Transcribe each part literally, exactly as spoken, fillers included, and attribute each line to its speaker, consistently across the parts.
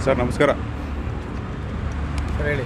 Speaker 1: Sir ನಮಸ್ಕಾರ
Speaker 2: sir ಹೇಳಿ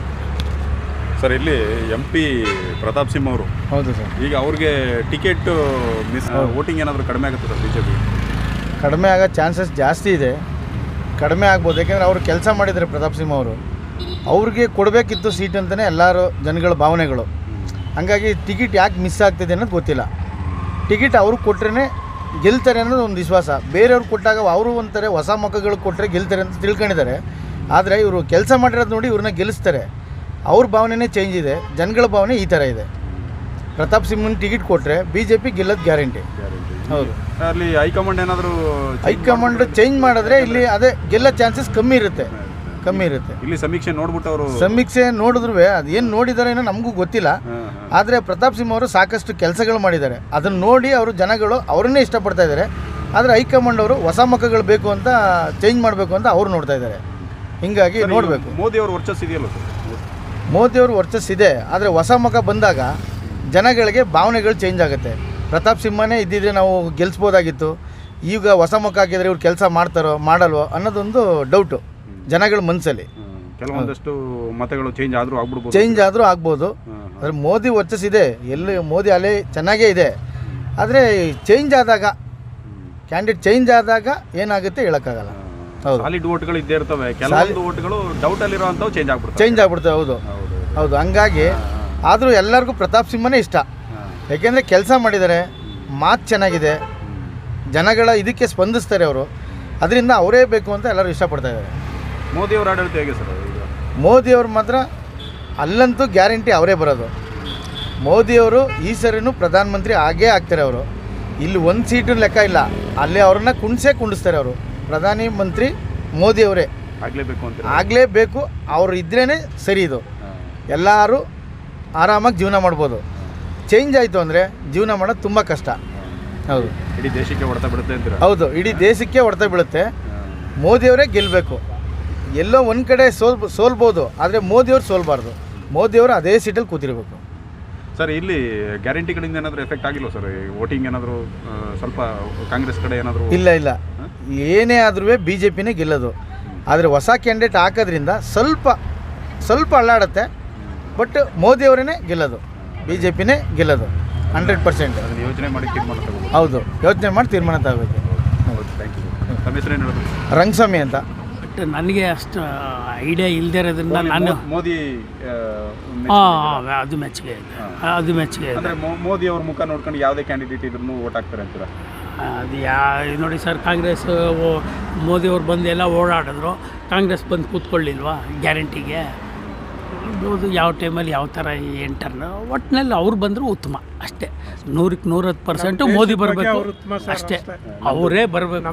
Speaker 1: sir. ಇಲ್ಲಿ ಎಂ ಪಿ ಪ್ರತಾಪ್ ಸಿಂಹ ಅವರು,
Speaker 2: ಹೌದು ಸರ್,
Speaker 1: ಈಗ ಅವ್ರಿಗೆ ಟಿಕೆಟ್ ಮಿಸ್ ವೋಟಿಂಗ್ ಏನಾದರೂ ಕಡಿಮೆ ಆಗುತ್ತೆ ಸರ್ ಬಿ ಜೆ ಪಿ?
Speaker 2: ಕಡಿಮೆ ಆಗೋ ಚಾನ್ಸಸ್ ಜಾಸ್ತಿ ಇದೆ. ಕಡಿಮೆ ಆಗ್ಬೋದು, ಯಾಕೆಂದರೆ ಅವರು ಕೆಲಸ ಮಾಡಿದ್ದಾರೆ ಪ್ರತಾಪ್ ಸಿಂಹ ಅವರು. ಅವ್ರಿಗೆ ಕೊಡಬೇಕಿತ್ತು ಸೀಟ್ ಅಂತಲೇ ಎಲ್ಲರೂ ಜನಗಳ ಭಾವನೆಗಳು. ಹಾಗಾಗಿ ಟಿಕೆಟ್ ಯಾಕೆ ಮಿಸ್ ಆಗ್ತಿದೆ ಅನ್ನೋದು ಗೊತ್ತಿಲ್ಲ. ಟಿಕೆಟ್ ಅವ್ರಿಗೆ ಕೊಟ್ಟರೆ ಗೆಲ್ತಾರೆ ಅನ್ನೋದು ಒಂದು ವಿಶ್ವಾಸ. ಬೇರೆಯವ್ರಿಗೆ ಕೊಟ್ಟಾಗ ಅವರು ಒಂಥರ ಹೊಸ ಮುಖಗಳು ಕೊಟ್ಟರೆ ಗೆಲ್ತಾರೆ ಅಂತ ತಿಳ್ಕೊಂಡಿದ್ದಾರೆ. ಆದರೆ ಇವರು ಕೆಲಸ ಮಾಡಿರೋದು ನೋಡಿ ಇವ್ರನ್ನ ಗೆಲ್ಲಿಸ್ತಾರೆ. ಅವ್ರ ಭಾವನೆನೇ ಚೇಂಜ್ ಇದೆ, ಜನಗಳ ಭಾವನೆ ಈ ಥರ ಇದೆ. ಪ್ರತಾಪ್ ಸಿಂಹನ ಟಿಕೆಟ್ ಕೊಟ್ಟರೆ ಬಿ ಜೆ ಪಿ ಗೆಲ್ಲೋದು ಗ್ಯಾರಂಟಿ. ಹೌದು.
Speaker 1: ಅಲ್ಲಿ ಹೈಕಮಾಂಡ್ ಏನಾದರೂ
Speaker 2: ಹೈಕಮಾಂಡ್ ಚೇಂಜ್ ಮಾಡಿದ್ರೆ ಇಲ್ಲಿ ಅದೇ ಗೆಲ್ಲೋ ಚಾನ್ಸಸ್ ಕಮ್ಮಿ ಇರುತ್ತೆ ಕಮ್ಮಿ ಇರುತ್ತೆ
Speaker 1: ಇಲ್ಲಿ ಸಮೀಕ್ಷೆ ನೋಡ್ಬಿಟ್ಟು ಅವರು
Speaker 2: ಸಮೀಕ್ಷೆ ನೋಡಿದ್ರು ಅದೇನು ನೋಡಿದ್ದಾರೆ ಏನೋ ನಮಗೂ ಗೊತ್ತಿಲ್ಲ. ಆದರೆ ಪ್ರತಾಪ್ ಸಿಂಹ ಅವರು ಸಾಕಷ್ಟು ಕೆಲಸಗಳು ಮಾಡಿದ್ದಾರೆ. ಅದನ್ನು ನೋಡಿ ಅವರು ಜನಗಳು ಅವ್ರನ್ನೇ ಇಷ್ಟಪಡ್ತಾ ಇದ್ದಾರೆ. ಆದರೆ ಹೈಕಮಾಂಡ್ ಅವರು ಹೊಸ ಮುಖಗಳು ಬೇಕು ಅಂತ ಚೇಂಜ್ ಮಾಡಬೇಕು ಅಂತ ಅವ್ರು ನೋಡ್ತಾ ಇದ್ದಾರೆ. ಹೀಗಾಗಿ ನೋಡಬೇಕು.
Speaker 1: ಮೋದಿ ಅವರು ವರ್ಚಸ್ ಇದೆಯಲ್ಲ ಸರ್?
Speaker 2: ಮೋದಿಯವರು ವರ್ಚಸ್ ಇದೆ, ಆದರೆ ಹೊಸ ಮುಖ ಬಂದಾಗ ಜನಗಳಿಗೆ ಭಾವನೆಗಳು ಚೇಂಜ್ ಆಗುತ್ತೆ. ಪ್ರತಾಪ್ ಸಿಂಹನೇ ಇದ್ದಿದ್ರೆ ನಾವು ಗೆಲ್ಲಿಸ್ಬೋದಾಗಿತ್ತು. ಈಗ ಹೊಸ ಮುಖ ಹಾಕಿದರೆ ಇವ್ರು ಕೆಲಸ ಮಾಡ್ತಾರೋ ಮಾಡಲ್ವೋ ಅನ್ನೋದೊಂದು ಡೌಟು ಜನಗಳ ಮನಸ್ಸಲ್ಲಿ.
Speaker 1: ಕೆಲವೊಂದಷ್ಟು ಮತಗಳು ಚೇಂಜ್ ಆದರೂ ಆಗ್ಬಿಡ್ಬೋದು
Speaker 2: ಚೇಂಜ್ ಆದರೂ ಆಗ್ಬೋದು. ಆದರೆ ಮೋದಿ ವರ್ಚಸ್ ಇದೆ, ಎಲ್ಲಿ ಮೋದಿ ಅಲೆ ಚೆನ್ನಾಗೇ ಇದೆ. ಆದರೆ ಚೇಂಜ್ ಆದಾಗ ಕ್ಯಾಂಡಿಡೇಟ್ ಚೇಂಜ್ ಆದಾಗ ಏನಾಗುತ್ತೆ ಹೇಳೋಕ್ಕಾಗಲ್ಲ. ಹೌದು,
Speaker 1: ಸಾಲಿಡ್ ವೋಟ್ಗಳು ಇದ್ದೇ ಇರ್ತವೆ. ಕೆಲವೊಂದು ವೋಟ್ಗಳು ಡೌಟಲ್ಲಿರೋವಂಥವು ಚೇಂಜ್ ಆಗ್ಬಿಡ್ತವೆ
Speaker 2: ಚೇಂಜ್ ಆಗ್ಬಿಡ್ತವೆ ಹೌದು ಹೌದು ಹಂಗಾಗಿ ಆದರೂ ಎಲ್ಲರಿಗೂ ಪ್ರತಾಪ್ ಸಿಂಹನೇ ಇಷ್ಟ. ಯಾಕೆಂದರೆ ಕೆಲಸ ಮಾಡಿದ್ದಾರೆ, ಮಾತು ಚೆನ್ನಾಗಿದೆ, ಜನಗಳ ಇದಕ್ಕೆ ಸ್ಪಂದಿಸ್ತಾರೆ ಅವರು. ಅದರಿಂದ ಅವರೇ ಬೇಕು ಅಂತ ಎಲ್ಲರೂ ಇಷ್ಟಪಡ್ತಾ ಇದ್ದಾರೆ.
Speaker 1: ಮೋದಿಯವ್ರ ಆಡಳಿತ ಹೇಗೆ ಸರ್? ಈಗ
Speaker 2: ಮೋದಿಯವ್ರು ಮಾತ್ರ ಅಲ್ಲಂತೂ ಗ್ಯಾರಂಟಿ ಅವರೇ ಬರೋದು. ಮೋದಿಯವರು ಈ ಸರಿನೂ ಪ್ರಧಾನಮಂತ್ರಿ ಆಗೇ ಆಗ್ತಾರೆ. ಅವರು ಇಲ್ಲಿ ಒಂದು ಸೀಟು ಲೆಕ್ಕ ಇಲ್ಲ, ಅಲ್ಲಿ ಅವ್ರನ್ನ ಕುಣಿಸೇ ಕುಂಡಿಸ್ತಾರೆ. ಅವರು ಪ್ರಧಾನಿ ಮಂತ್ರಿ ಮೋದಿಯವರೇ
Speaker 1: ಆಗಲೇಬೇಕು ಅಂತ
Speaker 2: ಆಗಲೇಬೇಕು. ಅವರು ಇದ್ರೇ ಸರಿ. ಇದು ಎಲ್ಲರೂ ಆರಾಮಾಗಿ ಜೀವನ ಮಾಡ್ಬೋದು. ಚೇಂಜ್ ಆಯಿತು ಅಂದರೆ ಜೀವನ ಮಾಡೋದು ತುಂಬ ಕಷ್ಟ. ಹೌದು,
Speaker 1: ಇಡೀ ದೇಶಕ್ಕೆ ಹೊಡೆತ ಬೀಳುತ್ತೆ ಅಂತೀರ?
Speaker 2: ಹೌದು, ಇಡೀ ದೇಶಕ್ಕೆ ಹೊಡೆತ ಬೀಳುತ್ತೆ. ಮೋದಿಯವರೇ ಗೆಲ್ಲಬೇಕು. ಎಲ್ಲೋ ಒಂದು ಕಡೆ ಸೋಲ್ ಸೋಲ್ಬೋದು, ಆದರೆ ಮೋದಿಯವ್ರು ಸೋಲ್ಬಾರ್ದು. ಮೋದಿಯವರು ಅದೇ ಸೀಟಲ್ಲಿ ಕೂತಿರ್ಬೇಕು.
Speaker 1: ಸರ್, ಇಲ್ಲಿ ಗ್ಯಾರಂಟಿಗಳಿಂದ ಏನಾದರೂ ಎಫೆಕ್ಟ್ ಆಗಿಲ್ಲ ಸರ್? ವೋಟಿಂಗ್ ಏನಾದರೂ ಸ್ವಲ್ಪ ಕಾಂಗ್ರೆಸ್ ಕಡೆ ಏನಾದರೂ?
Speaker 2: ಇಲ್ಲ ಇಲ್ಲ, ಏನೇ ಆದ್ರೂ ಬಿ ಜೆ ಪಿನೇ ಗೆಲ್ಲೋದು. ಆದರೆ ಹೊಸ ಕ್ಯಾಂಡಿಡೇಟ್ ಹಾಕೋದ್ರಿಂದ ಸ್ವಲ್ಪ ಸ್ವಲ್ಪ ಅಳ್ಳಾಡುತ್ತೆ. ಬಟ್ ಮೋದಿಯವರೇ ಗೆಲ್ಲೋದು, ಬಿ ಜೆ ಪಿನೇ ಗೆಲ್ಲೋದು ಹಂಡ್ರೆಡ್ ಪರ್ಸೆಂಟ್.
Speaker 1: ಯೋಚನೆ ಮಾಡಿ ತೀರ್ಮಾನ ತಗೋಬೇಕು.
Speaker 2: ಹೌದು, ಯೋಚನೆ ಮಾಡಿ ತೀರ್ಮಾನ ತಗೋಬೇಕು.
Speaker 1: Thank you. ತಮ್ಮ ಹೆಸರು ಏನು ಹೇಳೋದು?
Speaker 2: ರಂಗಸ್ವಾಮಿ ಅಂತ.
Speaker 3: ನನಗೆ ಅಷ್ಟು ಐಡಿಯಾ ಇಲ್ಲದೆ ಇರೋದ್ರಿಂದ ನಾನು
Speaker 1: ಮೋದಿ
Speaker 3: ಹಾಂ ಅದು ಮೆಚ್ಚುಗೆ ಇದೆ, ಅದು ಮೆಚ್ಚುಗೆ ಇದೆ.
Speaker 1: ಅಂದರೆ ಮೋದಿ ಅವ್ರ ಮುಖ ನೋಡ್ಕೊಂಡು ಯಾವುದೇ ಕ್ಯಾಂಡಿಡೇಟ್ ಇದ್ರೂ ವೋಟ್ ಹಾಕ್ತಾರೆ ಅಂತೀರಾ?
Speaker 3: ಅದು ಯಾ ನೋಡಿ ಸರ್, ಕಾಂಗ್ರೆಸ್ ಮೋದಿಯವ್ರು ಬಂದು ಎಲ್ಲ ಓಡಾಡಿದ್ರು, ಕಾಂಗ್ರೆಸ್ ಬಂದು ಕೂತ್ಕೊಳ್ಳಿಲ್ವಾ ಗ್ಯಾರಂಟಿಗೆ? ಅದು ಯಾವ ಟೈಮಲ್ಲಿ ಯಾವ ಥರ ಎಂಟರ್ನ ಒಟ್ಟಿನಲ್ಲಿ ಅವ್ರು ಬಂದರೂ ಉತ್ತಮ ಅಷ್ಟೇ. ನೂರಕ್ಕೆ ನೂರತ್ತು ಪರ್ಸೆಂಟು ಮೋದಿ ಬರಬೇಕು ಅಷ್ಟೇ, ಅವರೇ ಬರಬೇಕು.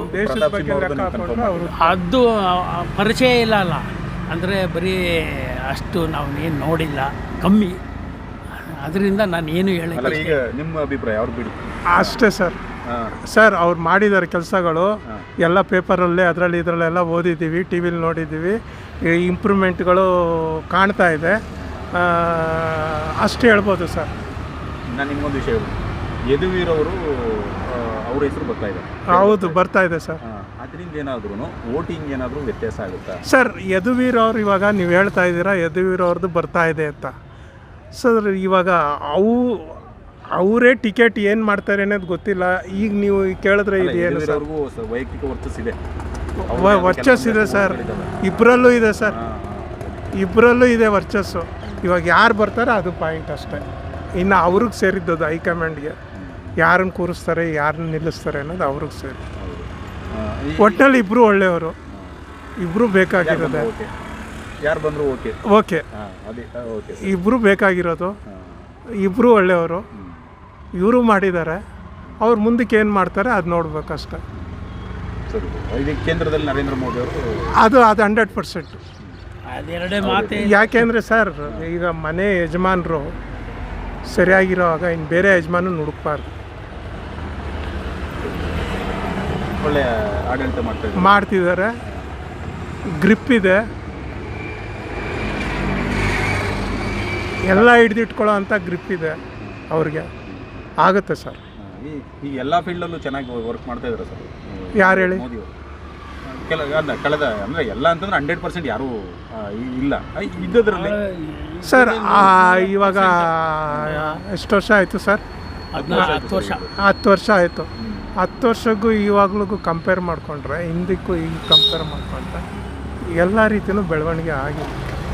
Speaker 3: ಅದು ಪರಿಚಯ ಇಲ್ಲ ಅಲ್ಲ, ಅಂದರೆ ಬರೀ ಅಷ್ಟು ನಾವು ಏನು ನೋಡಿಲ್ಲ, ಕಮ್ಮಿ. ಅದರಿಂದ ನಾನು ಏನು ಹೇಳಿ.
Speaker 1: ಈಗ ನಿಮ್ಮ ಅಭಿಪ್ರಾಯ ಅವ್ರು ಬಿಡಿ
Speaker 4: ಅಷ್ಟೇ ಸರ್. ಸರ್, ಅವ್ರು ಮಾಡಿದ್ದಾರೆ ಕೆಲಸಗಳು ಎಲ್ಲ ಪೇಪರಲ್ಲೇ ಅದರಲ್ಲಿ ಇದರಲ್ಲೆಲ್ಲ ಓದಿದ್ದೀವಿ, ಟಿ ವಿಲಿ ನೋಡಿದ್ದೀವಿ. ಇಂಪ್ರೂವ್ಮೆಂಟ್ಗಳು ಕಾಣ್ತಾ ಇದೆ, ಅಷ್ಟು ಹೇಳ್ಬೋದು ಸರ್.
Speaker 1: ನಾನು ನಿಮ್ಗೊಂದು ವಿಷಯ ಹೇಳ್ಬೋದು. ಯದುವೀರ್ ಅವರು ಅವ್ರ ಹೆಸರು ಬರ್ತಾ ಇದೆ.
Speaker 4: ಹೌದು, ಬರ್ತಾ ಇದೆ ಸರ್.
Speaker 1: ಅದರಿಂದ ಏನಾದ್ರೂ ವೋಟಿಂಗ್ ಏನಾದರೂ ವ್ಯತ್ಯಾಸ ಆಗುತ್ತಾ
Speaker 4: ಸರ್? ಯದುವೀರ್ ಅವ್ರು ಇವಾಗ ನೀವು ಹೇಳ್ತಾ ಇದ್ದೀರಾ ಯದುವೀರ್ ಅವ್ರದ್ದು ಬರ್ತಾ ಇದೆ ಅಂತ. ಸರ್, ಇವಾಗ ಅವು ಅವರೇ ಟಿಕೆಟ್ ಏನು ಮಾಡ್ತಾರೆ ಅನ್ನೋದು ಗೊತ್ತಿಲ್ಲ. ಈಗ ನೀವು ಕೇಳಿದ್ರೆ ಇದು ಏನು ಸರ್?
Speaker 1: ವೈಯಕ್ತಿಕ ವರ್ಚಸ್ ಇದೆ,
Speaker 4: ವರ್ಚಸ್ ಇದೆ ಸರ್. ಇಬ್ಬರಲ್ಲೂ ಇದೆ ಸರ್, ಇಬ್ಬರಲ್ಲೂ ಇದೆ ವರ್ಚಸ್ಸು. ಇವಾಗ ಯಾರು ಬರ್ತಾರೆ ಅದು ಪಾಯಿಂಟ್ ಅಷ್ಟೇ. ಇನ್ನು ಅವ್ರಿಗೆ ಸೇರಿದ್ದದು ಹೈಕಮಾಂಡ್ಗೆ, ಯಾರನ್ನು ಕೂರಿಸ್ತಾರೆ ಯಾರನ್ನ ನಿಲ್ಲಿಸ್ತಾರೆ ಅನ್ನೋದು ಅವ್ರಿಗೆ ಸೇರಿ. ಒಟ್ಟಿನಲ್ಲಿ ಇಬ್ಬರು ಒಳ್ಳೆಯವರು, ಇಬ್ಬರು ಬೇಕಾಗಿರೋದೆ.
Speaker 1: ಯಾರು ಬಂದರೂ ಓಕೆ
Speaker 4: ಓಕೆ ಇಬ್ಬರು ಬೇಕಾಗಿರೋದು, ಇಬ್ಬರು ಒಳ್ಳೆಯವರು. ಇವರು ಮಾಡಿದ್ದಾರೆ, ಅವ್ರು ಮುಂದಕ್ಕೆ ಏನು ಮಾಡ್ತಾರೆ ಅದು ನೋಡ್ಬೇಕಷ್ಟೆ.
Speaker 1: ಕೇಂದ್ರದಲ್ಲಿ ನರೇಂದ್ರ ಮೋದಿ ಅವರು
Speaker 4: ಅದು ಅದು ಹಂಡ್ರೆಡ್ ಪರ್ಸೆಂಟ್.
Speaker 3: ಅದೆರಡೇ ಮಾತೆ.
Speaker 4: ಯಾಕೆಂದರೆ ಸರ್, ಈಗ ಮನೆ ಯಜಮಾನರು ಸರಿಯಾಗಿರೋವಾಗ ಇನ್ನು ಬೇರೆ ಯಜಮಾನ ಹುಡುಕ್ಬಾರ್ದು.
Speaker 1: ಒಳ್ಳೆಯ ಆಡಳಿತ ಮಾಡ್ತಾರೆ,
Speaker 4: ಮಾಡ್ತಿದ್ದಾರೆ, ಗ್ರಿಪ್ ಇದೆ, ಎಲ್ಲ ಹಿಡ್ದಿಟ್ಕೊಳ್ಳೋ ಅಂಥ ಗ್ರಿಪ್ ಇದೆ ಅವ್ರಿಗೆ. ಆಗುತ್ತೆ ಸರ್.
Speaker 1: ಈ ಎಲ್ಲ ಫೀಲ್ಡಲ್ಲೂ ಚೆನ್ನಾಗಿ ವರ್ಕ್ ಮಾಡ್ತಾ ಇದ್ದಾರೆ ಸರ್.
Speaker 4: ಯಾರು ಹೇಳಿ?
Speaker 1: ಮೋದಿ ಅವರು ಕೆಲ ಅಲ್ಲ, ಕಳೆದ ಅಂದರೆ ಎಲ್ಲ ಅಂತಂದ್ರೆ ಹಂಡ್ರೆಡ್ ಪರ್ಸೆಂಟ್ ಯಾರೂ ಆ, ಇ- ಇಲ್ಲ ಆ, ಇದ್ದದ್ರಲ್ಲಿ
Speaker 4: ಸರ್ ಆ, ಇವಾಗ ಎಷ್ಟು ವರ್ಷ ಆಯಿತು ಸರ್?
Speaker 3: ಹದಿನಾರು ಹತ್ತು ವರ್ಷ
Speaker 4: ಹತ್ತು ವರ್ಷ ಆಯಿತು. ಹತ್ತು ವರ್ಷಕ್ಕೂ ಇವಾಗ್ಲಿಗೂ ಕಂಪೇರ್ ಮಾಡಿಕೊಂಡ್ರೆ, ಹಿಂದಕ್ಕೂ ಈಗ ಕಂಪೇರ್ ಮಾಡಿಕೊಂಡ್ರೆ ಎಲ್ಲ ರೀತಿಯೂ ಬೆಳವಣಿಗೆ ಆಗಿದೆ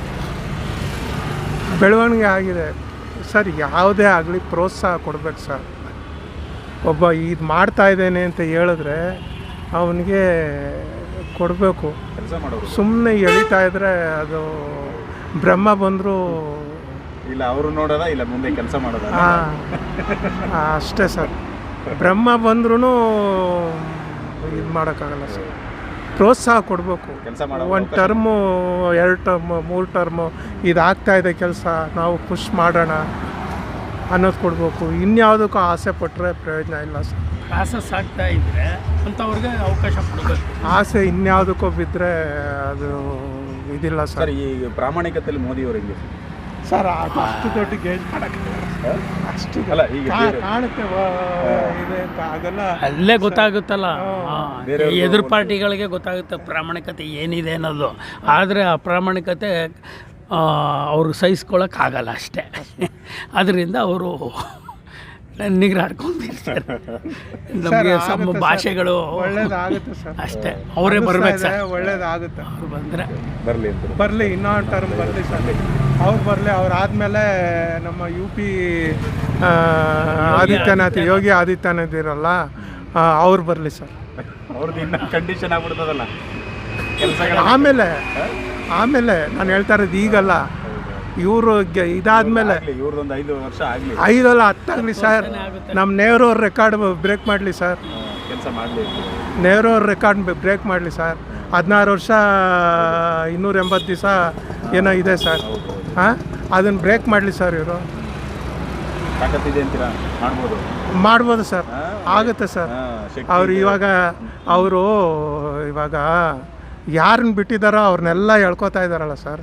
Speaker 4: ಬೆಳವಣಿಗೆ ಆಗಿದೆ ಸರ್. ಯಾವುದೇ ಆಗಲಿ ಪ್ರೋತ್ಸಾಹ ಕೊಡ್ಬೇಕು ಸರ್. ಒಬ್ಬ ಇದು ಮಾಡ್ತಾ ಇದ್ದೇನೆ ಅಂತ ಹೇಳಿದ್ರೆ ಅವನಿಗೆ ಕೊಡಬೇಕು.
Speaker 1: ಕೆಲಸ ಮಾಡೋರು
Speaker 4: ಸುಮ್ಮನೆ ಎಳಿತಾ ಇದ್ರೆ ಅದು ಬ್ರಹ್ಮ ಬಂದರೂ
Speaker 1: ಇಲ್ಲ, ಅವರು ನೋಡೋದ ಇಲ್ಲ ಮುಂದೆ ಕೆಲಸ ಮಾಡೋದ.
Speaker 4: ಅಷ್ಟೇ ಸರ್. ಬ್ರಹ್ಮ ಬಂದ್ರೂ ಇದು ಮಾಡೋಕ್ಕಾಗಲ್ಲ ಸರ್. ಪ್ರೋತ್ಸಾಹ ಕೊಡಬೇಕು.
Speaker 1: ಕೆಲಸ ಮಾಡೋ
Speaker 4: ಒಂದು ಟರ್ಮು, ಎರಡು ಟರ್ಮು, ಮೂರು ಟರ್ಮು ಇದಾಗ್ತಾ ಇದೆ ಕೆಲಸ, ನಾವು ಪುಷ್ ಮಾಡೋಣ ಅನ್ನೋದು ಕೊಡಬೇಕು. ಇನ್ಯಾವುದಕ್ಕೂ ಆಸೆ ಪಟ್ಟರೆ ಪ್ರಯೋಜನ ಇಲ್ಲ ಸರ್.
Speaker 3: ಪ್ರಾಸೆಸ್ ಆಗ್ತಾ ಇದ್ರೆ ಅಂಥವ್ರಿಗೆ ಅವಕಾಶ ಕೊಡಬೇಕು.
Speaker 4: ಆಸೆ ಇನ್ಯಾವುದಕ್ಕೂ ಬಿದ್ದರೆ ಅದು ಇದಿಲ್ಲ
Speaker 1: ಸರ್.
Speaker 4: ಸರ್.
Speaker 1: ಈ ಪ್ರಾಮಾಣಿಕತೆಯಲ್ಲಿ ಮೋದಿಯವರು ಹೆಂಗೆ
Speaker 4: ಸರ್ ಅದು ಅಷ್ಟು ದೊಡ್ಡ ಗೇಜ್ ಮಾಡೋಕ್ಕೆ ಅಷ್ಟು
Speaker 1: ಅಲ್ಲ, ಈಗ
Speaker 4: ಕಾ-
Speaker 1: ಬೇರೆ-
Speaker 4: ಕಾಣುತ್ತೆ ವ- ಇದೆ ಅಂತ ಆಗಲ್ಲ.
Speaker 3: ಅಲ್ಲೇ ಗೊತ್ತಾಗುತ್ತಲ್ಲ,
Speaker 1: ಬೇರೆಯವ್ರು
Speaker 3: ಎದುರು ಪಾರ್ಟಿಗಳಿಗೆ ಗೊತ್ತಾಗುತ್ತೆ ಪ್ರಾಮಾಣಿಕತೆ ಏನಿದೆ ಅನ್ನೋದು. ಆದರೆ ಆ ಪ್ರಾಮಾಣಿಕತೆ ಅವ್ರಿಗೆ ಸಹಿಸ್ಕೊಳ್ಳೋಕ್ಕಾಗಲ್ಲ ಅಷ್ಟೇ. ಅದರಿಂದ ಅವರು ನಿಗ್ರಾಡ್ಕೊಂಡಿರ್ತಾರೆ. ನಮಗೆ
Speaker 4: ಆಗುತ್ತೆ
Speaker 3: ಸಮ
Speaker 4: ಸರ್.
Speaker 3: ಭಾಷೆಗಳು
Speaker 4: ಒಳ್ಳೇದಾಗುತ್ತೆ ಸರ್.
Speaker 3: ಅಷ್ಟೇ. ಅವರೇ ಬರ್ಬೇಕು ಸರ್.
Speaker 4: ಒಳ್ಳೇದಾಗುತ್ತೆ.
Speaker 3: ಅವ್ರು ಬಂದರೆ
Speaker 1: ಬರಲಿ ಅಂತ
Speaker 4: ಬರಲಿ, ಇನ್ನೊಂದು ಟರ್ಮ್ ಬರಲಿ ಸರ್. ಅವ್ರು ಬರಲಿ. ಅವ್ರು ಆದಮೇಲೆ ನಮ್ಮ ಯು ಪಿ ಆದಿತ್ಯನಾಥ್, ಯೋಗಿ ಆದಿತ್ಯನಾಥ್ ಇರಲ್ಲ, ಅವ್ರು ಬರಲಿ ಸರ್.
Speaker 1: ಅವ್ರದ್ದು ಇನ್ನೂ ಕಂಡೀಷನ್ ಆಗ್ಬಿಡ್ತದಲ್ಲ ಕೆಲಸಗಳ.
Speaker 4: ಆಮೇಲೆ ಆಮೇಲೆ ನಾನು ಹೇಳ್ತಾ ಇರೋದು ಈಗಲ್ಲ, ಇವರು ಇದಾದ್ಮೇಲೆ
Speaker 1: ಇವ್ರದ್ದೊಂದು ಐದು ವರ್ಷ ಆಗಲಿ,
Speaker 4: ಐದಲ್ಲ ಹತ್ತಾಗಲಿ ಸರ್. ನಮ್ಮ ನೆಹರು ಅವ್ರ ರೆಕಾರ್ಡ್ ಬ್ರೇಕ್ ಮಾಡಲಿ ಸರ್.
Speaker 1: ಕೆಲಸ ಮಾಡಲಿ.
Speaker 4: ನೆಹರು ಅವ್ರ ರೆಕಾರ್ಡ್ ಬ್ರೇಕ್ ಮಾಡಲಿ ಸರ್. ಹದಿನಾರು ವರ್ಷ ಇನ್ನೂರ ಎಂಬತ್ತು ದಿವಸ ಏನೋ ಇದೆ ಸರ್. ಹಾಂ, ಅದನ್ನು ಬ್ರೇಕ್ ಮಾಡಲಿ ಸರ್. ಇವರು
Speaker 1: ತಾಕತ್ತಿದೆ ಅಂತೀರಾ? ಮಾಡ್ಬೋದು
Speaker 4: ಮಾಡ್ಬೋದು ಸರ್. ಆಗುತ್ತೆ ಸರ್. ಅವರು ಇವಾಗ ಅವರು ಇವಾಗ ಯಾರನ್ನ ಬಿಟ್ಟಿದ್ದಾರೋ ಅವ್ರನ್ನೆಲ್ಲ ಹೇಳ್ಕೊತಾ ಇದ್ದಾರಲ್ಲ ಸರ್.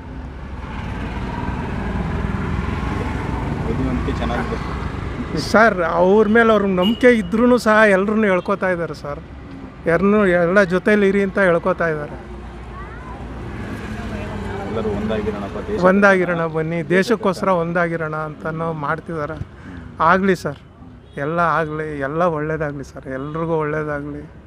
Speaker 1: ಬುದ್ಧಿವಂತಿಕೆ ಚೆನ್ನಾಗಿದೆ
Speaker 4: ಸರ್, ಅವ್ರ ಮೇಲೆ ಅವ್ರಿಗೆ ನಂಬಿಕೆ ಇದ್ರೂ ಸಹ ಎಲ್ಲರೂ ಹೇಳ್ಕೊತಾ ಇದ್ದಾರೆ ಸರ್. ಯಾರನ್ನೂ ಎಲ್ಲ ಜೊತೇಲಿ ಇರಿ ಅಂತ ಹೇಳ್ಕೊತಾ ಇದ್ದಾರೆ.
Speaker 1: ಎಲ್ಲರೂ ಒಂದಾಗಿರೋಣಪ್ಪ, ದೇಶ
Speaker 4: ಒಂದಾಗಿರೋಣ ಬನ್ನಿ, ದೇಶಕ್ಕೋಸ್ಕರ ಒಂದಾಗಿರೋಣ ಅಂತನೂ ಮಾಡ್ತಿದ್ದಾರೆ. ಆಗಲಿ ಸರ್, ಎಲ್ಲ ಆಗಲಿ, ಎಲ್ಲ ಒಳ್ಳೇದಾಗಲಿ ಸರ್, ಎಲ್ರಿಗೂ ಒಳ್ಳೇದಾಗಲಿ.